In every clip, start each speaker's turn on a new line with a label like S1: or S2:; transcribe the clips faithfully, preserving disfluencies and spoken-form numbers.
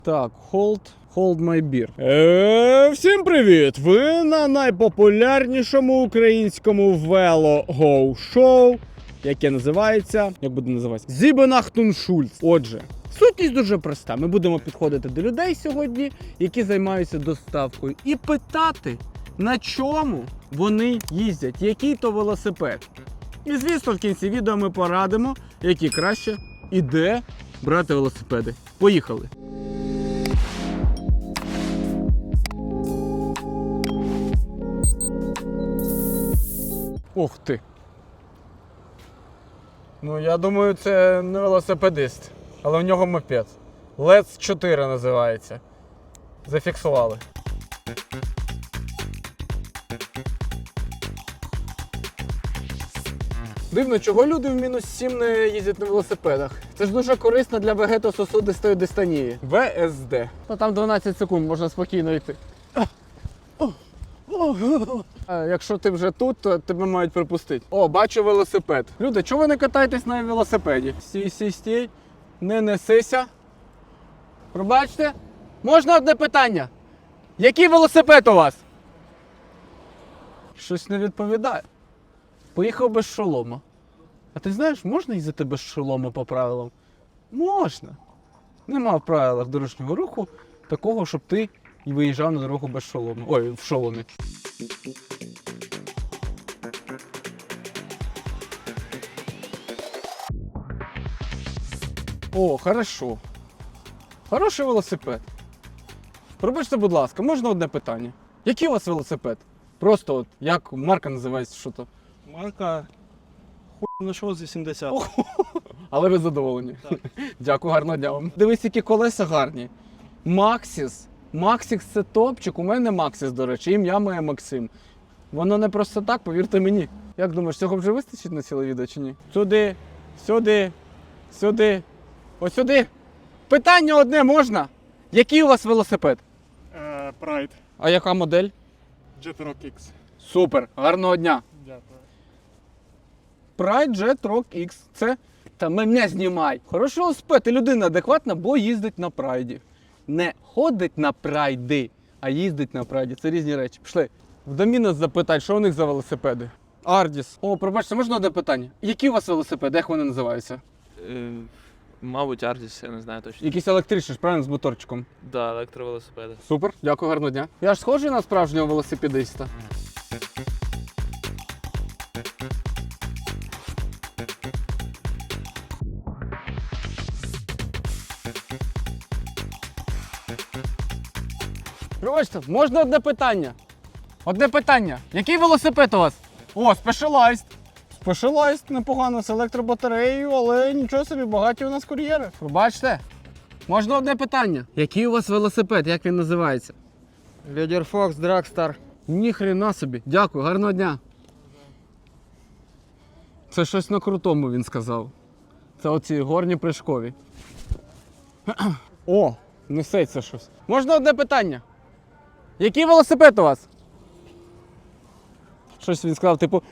S1: Так, hold, hold my beer. Е, всім привіт! Ви на найпопулярнішому українському вело-гоу-шоу, яке називається, як буде називатися? Зібенахтуншульц. Отже, сутність дуже проста. Ми будемо підходити до людей сьогодні, які займаються доставкою, і питати, на чому вони їздять, який то велосипед. І звісно, в кінці відео ми порадимо, які краще і де брати велосипеди. Поїхали! Ух ти! Ну, я думаю, це не велосипедист, але в нього мопед. Лец чотири називається. Зафіксували. Дивно, чого люди в мінус сім не їздять на велосипедах? Це ж дуже корисно для вегетососудистої дистонії. ве ес де. Ну там дванадцять секунд, можна спокійно йти. А якщо ти вже тут, то тебе мають припустити. О, бачу велосипед. Люди, чого ви не катаєтесь на велосипеді? Стій, стій, стій. Не несися. Пробачте. Можна одне питання? Який велосипед у вас? Щось не відповідає. Поїхав без шолома. А ти знаєш, можна їздити без шолома по правилам? Можна. Нема в правилах дорожнього руху такого, щоб ти виїжджав на дорогу без шолома. Ой, в шоломі. О, хорошо. Хороший велосипед. Пробачте, будь ласка, можна одне питання? Який у вас велосипед? Просто от, як марка називається, що то?
S2: Марка хуй нашов за сімдесят.
S1: Але ви задоволені.
S2: Так.
S1: Дякую, гарного дня вам. Дивись, які колеса гарні. Максіс. Максіс це топчик. У мене Максіс, до речі, ім'я моє Максим. Воно не просто так, повірте мені. Як думаєш, цього вже вистачить на ціле відео чи ні? Сюди, сюди, сюди, ось сюди. Питання одне можна? Який у вас велосипед?
S2: Прайд.
S1: А яка модель?
S2: Jetrock X.
S1: Супер, гарного дня.
S2: Дякую.
S1: Pride Jetrock X. Це, та мене знімай. Хороший велосипед, і людина адекватна, бо їздить на прайді. Не ходить на прайди, а їздить на прайді. Це різні речі. Пішли. В Домінос запитай, що у них за велосипеди. Ардіс. О, пробачте, можна одне питання? Які у вас велосипеди, як вони називаються?
S3: Е, Мабуть, Ардіс, я не знаю точно.
S1: Якісь електричні, ж, правильно, з моторчиком.
S3: Да, електровелосипеди.
S1: Супер, дякую, гарного дня. Я ж схожий на справжнього велосипедиста. Пробачте, можна одне питання? Одне питання. Який велосипед у вас? О, Specialized. Specialized, непогано, з електробатареєю, але нічого собі, багаті у нас кур'єри. Пробачте. Можна одне питання? Який у вас велосипед, як він називається?
S4: Лідерфокс Драгстар.
S1: Ніхрена собі. Дякую, гарного дня. Це щось на крутому він сказав. Це оці горні прыжкові. О, несеться щось. Можна одне питання? Який велосипед у вас? Щось він сказав, типу.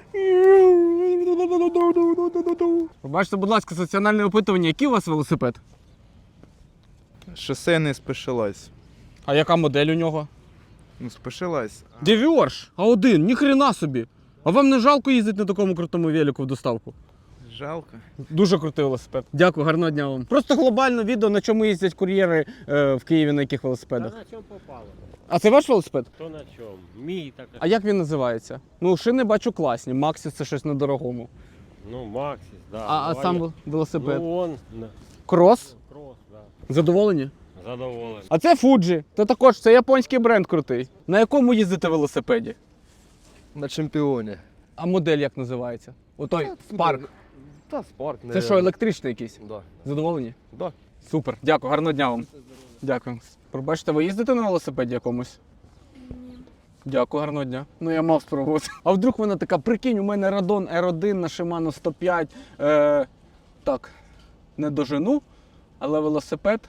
S1: Побачте, будь ласка, соціальне опитування, який у вас велосипед?
S5: Шосейний Specialized.
S1: А яка модель у нього?
S5: Ну, Specialized.
S1: Девіорж, а один, ніхрена собі. А вам не жалко їздити на такому крутому велику в доставку?
S5: Жалко.
S1: Дуже крутий велосипед. Дякую, гарного дня вам. Просто глобально відео, на чому їздять кур'єри е, в Києві, на яких велосипедах.
S6: Та на чому попало?
S1: А це ваш велосипед?
S6: То на чому? Мій так.
S1: А як він називається? Ну, шини бачу класні, Максіс це щось недорогому.
S6: Ну, Максис, да.
S1: А, а
S6: Ну,
S1: сам
S6: я-
S1: вел- велосипед?
S6: Ну, он, на-
S1: Крос?
S6: крос, да.
S1: Задоволені?
S6: Задоволений.
S1: А це Fuji. Це також, це японський бренд крутий. На якому їздите велосипеді?
S4: На чемпіоні.
S1: А модель як називається? Отой Spark.
S4: Та спорт,
S1: Це що, електричний якийсь?
S4: Да.
S1: Задоволені?
S4: Да.
S1: Супер. Дякую, гарного дня вам. Дякую. Пробачте, ви їздите на велосипеді якомусь? Дякую, гарного дня. Ну я мав спробувати. А вдруг вона така, прикинь, у мене Радон ар один на Shimano сто п'ять. Е, так, не дожену, але велосипед.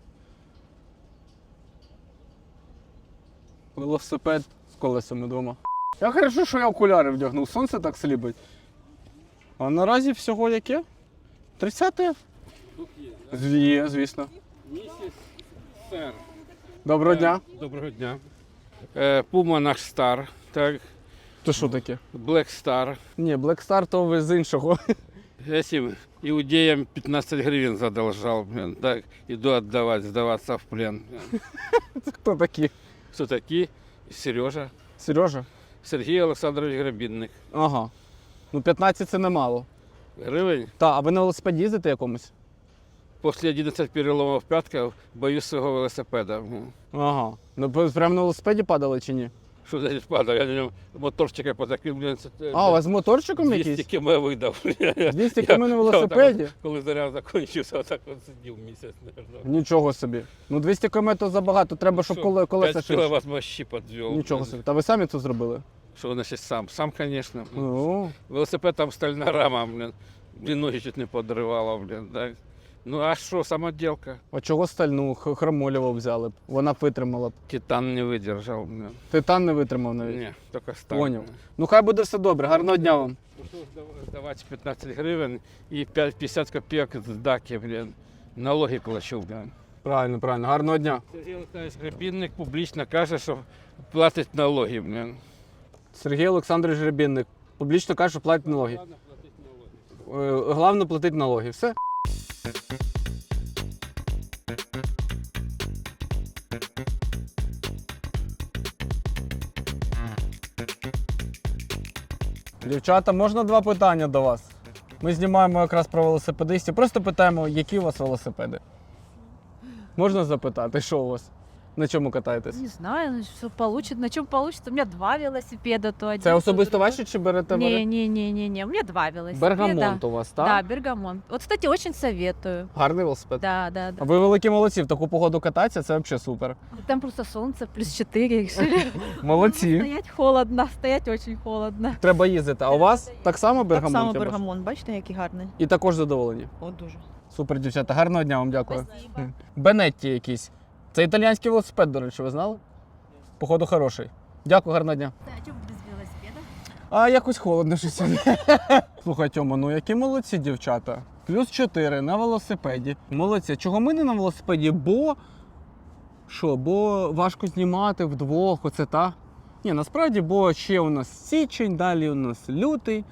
S1: Велосипед з колесами вдома. Я хорошо, що я окуляри вдягнув, сонце так сліпить. А наразі всього яке? тридцяте?
S6: Тут є, да?
S1: Є, звісно.
S6: Місяць
S7: сер.
S1: Доброго дня.
S7: Доброго дня. Е, Пума наш стар, так,
S1: То що таке?
S7: Black Star.
S1: Ні, Black Star то ви з іншого.
S7: Этим иудеям пятнадцать гривен задолжал, блин, так, иду отдавать, сдаваться в плен. блин.
S1: Це хто такі?
S7: Кто такие? Сережа.
S1: Сережа?
S7: Сергей Олександрович Грабінник.
S1: Ага. Ну п'ятнадцять це немало.
S7: Гривень.
S1: Та, а ви на велосипеді їздите якомусь?
S7: После одиннадцати переломов п'ятка боюсь свого велосипеда. блин.
S1: Ага. Ну ви прямо на велосипеді падали чи ні?
S7: Що значить падав? Я на ньому моторчика потакив, блин, це,
S1: А, у вас з моторчиком
S7: двісті
S1: якийсь?
S7: км видав.
S1: двісті км на велосипеді?
S7: Коли заряд закінчився, отак от сидів місяць, наверное.
S1: Нічого собі. Ну двісті км то забагато, треба, щоб коле- колеса
S7: п'ять
S1: ширше.
S7: кіловат мощі підвів.
S1: Нічого собі. Та ви самі це зробили?
S7: Що значить сам? Сам, звісно.
S1: Ну,
S7: Велосипед там стальна рама, блін. Блін, ноги чуть не подривало, блін. Так. Ну а що, самоділка?
S1: а чого стальну Х- хромолєву взяли б? Вона б витримала б.
S7: Титан не видержав, блін.
S1: Титан не витримав навіть.
S7: Ні, тільки сталь.
S1: Поняв. Ну хай буде все добре. Гарного дня вам.
S7: Здавати п'ятнадцять гривень і п'ятдесят копійок з даки, блін. Налоги плачу, блін.
S1: Правильно, правильно. Гарного дня.
S7: Сергій Олександрович Гребінник публічно каже, що платить налоги, блін.
S1: Сергій Олександрович Гребінник. Публічно каже, що платить налоги.
S7: Ладно, платить налоги.
S1: Е, Головне платити налоги. Все. Дівчата, можна два питання до вас? Ми знімаємо якраз про велосипедистів. Просто питаємо, які у вас велосипеди. Можна запитати, що у вас? На чому катаєтесь?
S8: Не знаю, что получит, на чем получится. У меня два велосипеда, то один.
S1: Це
S8: то
S1: особисто
S8: другой.
S1: ваші чи берете
S8: Не,
S1: ви?
S8: не, не, не, не. У меня два велосипеда.
S1: Бергамонт у вас, так?
S8: Да, Бергамонт. Вот, кстати, очень советую.
S1: Гарний велосипед.
S8: Да, да, да.
S1: Ви великі молодці, в таку погоду кататися, це взагалі супер.
S8: Там просто солнце, плюс четыре, решили.
S1: Молодці.
S8: Стоять холодно, стоять очень холодно.
S1: Треба їздити. А у вас так само
S9: Так
S1: бергамонт?
S9: само
S1: я бачу?
S9: бергамон, бачите, який гарний.
S1: І також задоволені.
S9: О, дуже.
S1: Супер, дівчата. Гарного дня вам дякую. Бенетті якийсь. Це італійський велосипед, до речі, ви знали? Походу хороший. Дякую, гарного дня.
S8: А что без велосипеда?
S1: А якось холодно щось сьогодні. Слухай, Тьома, ну які молодці дівчата. Плюс чотири на велосипеді. Молодці. Чого ми не на велосипеді? Бо що, бо важко знімати вдвох, оце та. Ні, насправді, бо ще у нас січень, далі у нас лютий.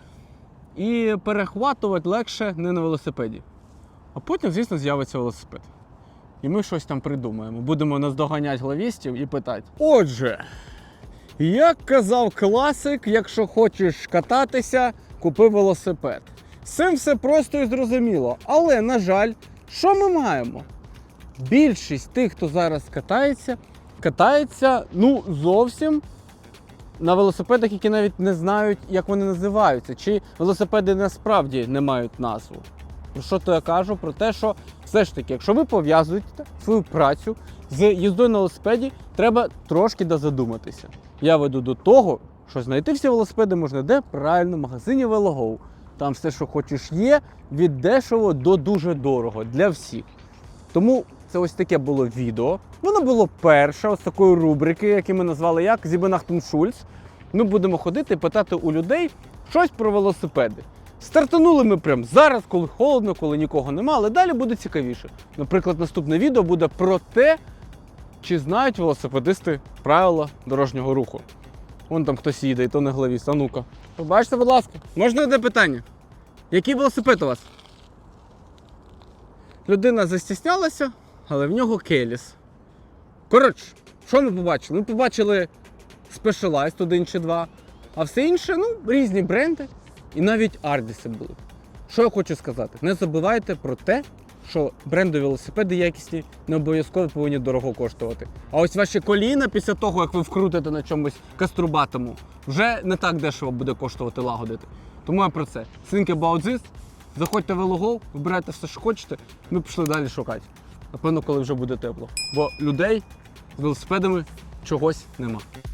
S1: І перехватувати легше не на велосипеді. А потім, звісно, з'явиться велосипед. І ми щось там придумаємо. Будемо наздоганяти главістів і питати. Отже, як казав класик, якщо хочеш кататися, купи велосипед. З цим все просто і зрозуміло. Але, на жаль, що ми маємо? Більшість тих, хто зараз катається, катається, ну, зовсім на велосипедах, які навіть не знають, як вони називаються. Чи велосипеди насправді не мають назву. Про що то я кажу? Про те, що все ж таки, якщо ви пов'язуєте свою працю з їздою на велосипеді, треба трошки дозадуматися. Я веду до того, що знайти всі велосипеди можна де? Правильно, в магазині Велогоу. Там все, що хочеш, є, від дешево до дуже дорого для всіх. Тому це ось таке було відео. Воно було перше, ось такої рубрики, яку ми назвали як «Зібенахтун Шульц». Ми будемо ходити і питати у людей щось про велосипеди. Стартанули ми прямо зараз, коли холодно, коли нікого нема, але далі буде цікавіше. Наприклад, наступне відео буде про те, чи знають велосипедисти правила дорожнього руху. Вон там хтось їде, і то не главіст. А ну-ка. Побачте, будь ласка. Можна одне питання? Який велосипед у вас? Людина застіснялася, але в нього Келіс. Коротше, що ми побачили? Ми побачили Specialized один чи два, а все інше, ну, різні бренди. І навіть Ардіси були. Що я хочу сказати? Не забувайте про те, що брендові велосипеди якісні не обов'язково повинні дорого коштувати. А ось ваші коліна після того, як ви вкрутите на чомусь каструбатому, вже не так дешево буде коштувати лагодити. Тому я про це. Think about this. Заходьте в Велогоу, вибирайте все, що хочете, ми пішли далі шукати. Напевно, коли вже буде тепло. Бо людей з велосипедами чогось нема.